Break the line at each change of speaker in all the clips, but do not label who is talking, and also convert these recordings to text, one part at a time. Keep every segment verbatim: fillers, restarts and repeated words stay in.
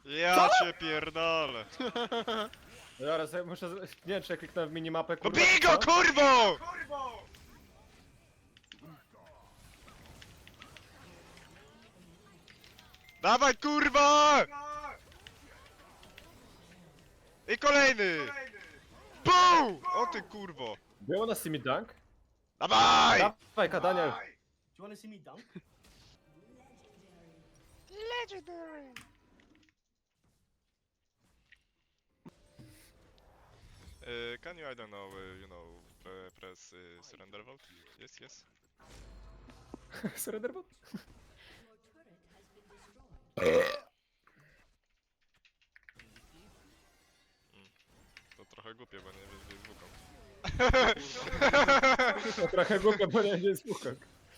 Ja cię pierdolę.
Zaraz, ja muszę... z- Nie wiem, czy ja kliknąłem w minimapę,
No
kurwa.
bij go,
co?
kurwo! Dawaj, kurwa! I kolejny! Bum! O ty kurwo!
Było na Simi Dunk?
Dawaj!
Dawaj, kadania.
Do you wanna see me dunk?
Legendary! Uh, can you, I don't know, uh, you know, uh, press uh, surrender vote? Yes, yes.
Surrender bot?
To trochę głupie, bo nie wiesz, gdzie jest Wukong.
To trochę głupio, bo nie jest Wukong.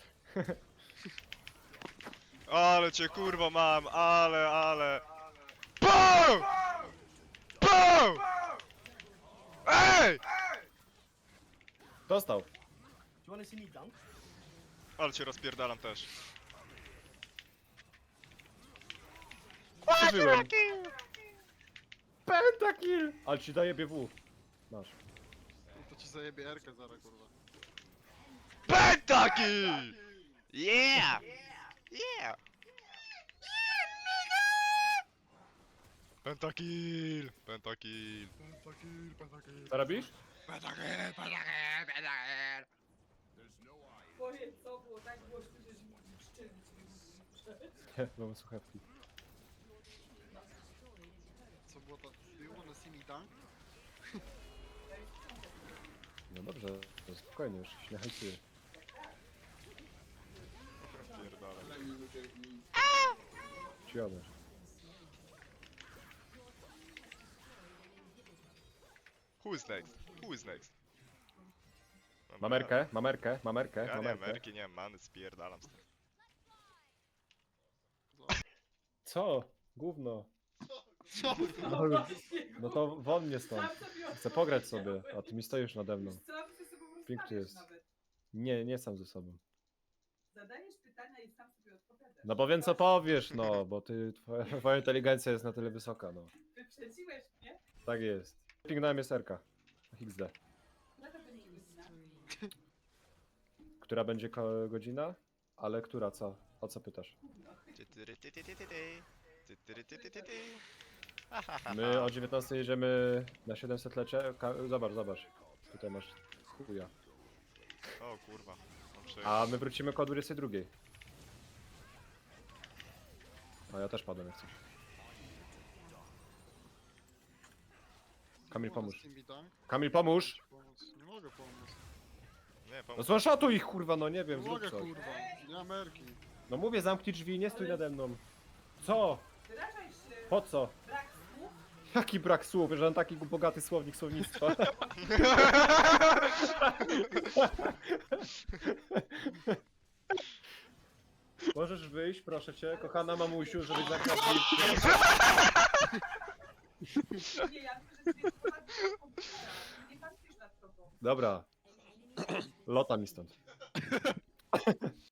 Ale cię kurwa mam, ale, ale... BOOM! BOOM! Ej!
Dostał.
Do you wanna see me dunk?
Ale cię rozpierdalam też.
Przeżyłem. Pentakill! Ale ci daje B W. Masz.
To ci zajebie Erkę zaraz, kurwa.
Pentakill! Yeah! Yeah! Pentakill! Pentakill!
Pentakill, pentakill.
Co robisz?
Pentakill, pentakill, pentakill.
Twoje co było tak głośno, że szczęście.
Nie, mamy słuchawki.
Co było to? Do you wanna see me dunk?
No dobrze, to spokojnie, już się nie hajcuję.
Pierdolę.
Ci jadę.
Who is next? Who is next? Dobra.
Mamerkę, mamerkę, mamerkę,
Ja nie,
mamerkę.
Ameryki nie mam many, spierdalam z tym.
Co? Gówno.
Co?
No, no to won mnie stąd.
Sam sobie
Chcę pograć sobie, a ty mi stoisz nade mną.
Wiesz co, ty sobie po prostu
Pięknie
stawiasz
jest.
nawet.
Nie, nie sam ze sobą.
Zadajesz pytania i sam sobie odpowiadasz.
No bo wiem co powiesz, no, bo ty, twoja, twoja inteligencja jest na tyle wysoka, no.
Wyprzedziłeś mnie?
Tak jest. Pingnąłem jest Erka. X D.
Jaka będzie godzina?
Która będzie ko- godzina? Ale która, co? O co pytasz? My o dziewiętnastej jedziemy na siedemset lecie. Ka- zobacz, zobacz. Tutaj masz chuja.
O kurwa. Mam przejść.
A my wrócimy koło dwudziestej drugiej. A ja też padłem jak coś. Kamil,
Do you wanna
pomóż.
see me dunk?
Kamil, pomóż!
Pomóc. Nie mogę pomóc.
Nie,
No
pomóż.
złaszatuj ich, kurwa, no nie
Nie
wiem, zrób
mogę,
coś.
kurwa. Nie Ameryki.
No mówię, zamknij drzwi, nie stój nade mną. Co?
Wyrażaj się.
Po co?
Brak słów.
Jaki brak słów, że mam taki bogaty słownik słownictwa. Możesz wyjść, proszę cię, kochana mamusiu, żebyś zamknął drzwi.
Nie, ja myślę, że ty jest ponad komputera. Nie patrzysz nad tobą.
Dobra. Lota mi stąd.